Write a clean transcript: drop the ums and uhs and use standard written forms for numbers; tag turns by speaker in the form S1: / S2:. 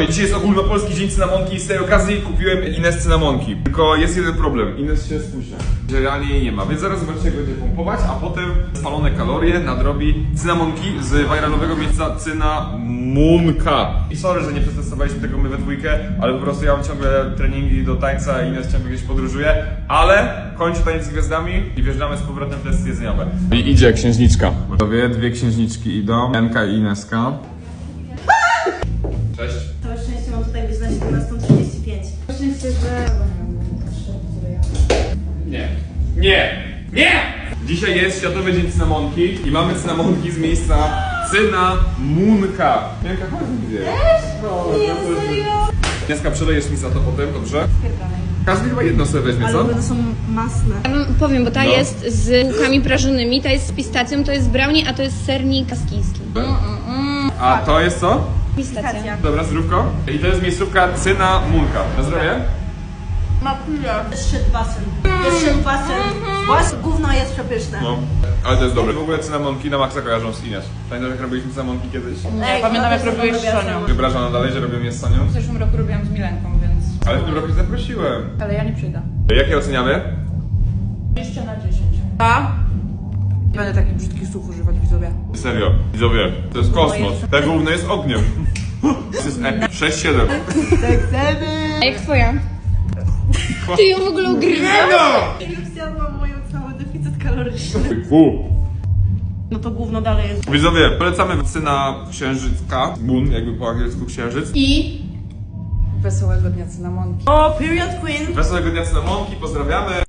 S1: dzisiaj jest ogólnopolski dzień cynamonki i z tej okazji kupiłem Ines cynamonki. Tylko jest jeden problem, Ines się spóźnia. Realnie jej nie ma, więc zaraz zobaczycie jak będzie pompować, a potem spalone kalorie nadrobi cynamonki z viralowego miejsca Cynamonka. I sorry, że nie przetestowaliśmy tego my we dwójkę, ale po prostu ja mam ciągle treningi do tańca, a Ines ciągle gdzieś podróżuje, ale kończę Taniec z Gwiazdami i wjeżdżamy z powrotem w testy jedzeniowe. I idzie księżniczka. Dwie księżniczki idą, Enka i Ineska. Cześć.
S2: Całe szczęście mam tutaj być na 17:35. Szczęście, że...
S1: Nie! Dzisiaj jest Światowy Dzień Cynamonki i mamy cynamonki z miejsca Cynamunka. Enka, chodź gdzie?
S2: Nie, serio?
S1: Ineska, przelejesz mi za to potem, dobrze? Każdy chyba jedno sobie weźmie, co?
S2: Ale one są masne.
S3: Ja wam powiem, bo ta jest z bułkami prażonymi, ta jest z pistacją, to jest brownie, a to jest sernik kaskijski.
S1: A to jest co?
S3: Pistacja.
S1: Dobra, zdrówko. I to jest miejscówka Cynamunka. Na zdrowie?
S2: Ma chwilę. Jest szedł basen. Jest szedł basen. Właśnie gówno jest przepyszne.
S1: No, ale to jest dobre. W ogóle cynamonki na maksa kojarzą z Ines. Pamiętasz jak robiliśmy cynamonki kiedyś?
S2: Ej,
S4: pamiętam, jak
S2: no to
S4: robiłeś
S2: są
S4: z Sonią.
S2: robione.
S1: Wyobrażam na dalej, że robią je z Sonią?
S4: W zeszłym roku robiłam z Milenką, więc...
S1: Ale w tym roku cię zaprosiłem.
S4: Ale ja nie przyjdę.
S1: Jakie oceniamy?
S4: 20 na 10. A? Nie będę takich brzydkich słów używać, widzowie.
S1: Serio, widzowie, to jest kosmos. Te główne jest ogniem. To jest 6-7.
S3: A jak twoja? Ty ją w ogóle ugryzasz?
S2: Już zjadłam moją cały deficyt kaloryczny.
S1: Fu.
S2: No to gówno dalej jest.
S1: Widzowie, polecamy Cyna Księżycka. Moon, jakby po angielsku księżyc.
S4: I... Wesołego dnia cynamonki.
S2: O, period queen.
S1: Wesołego dnia cynamonki, pozdrawiamy.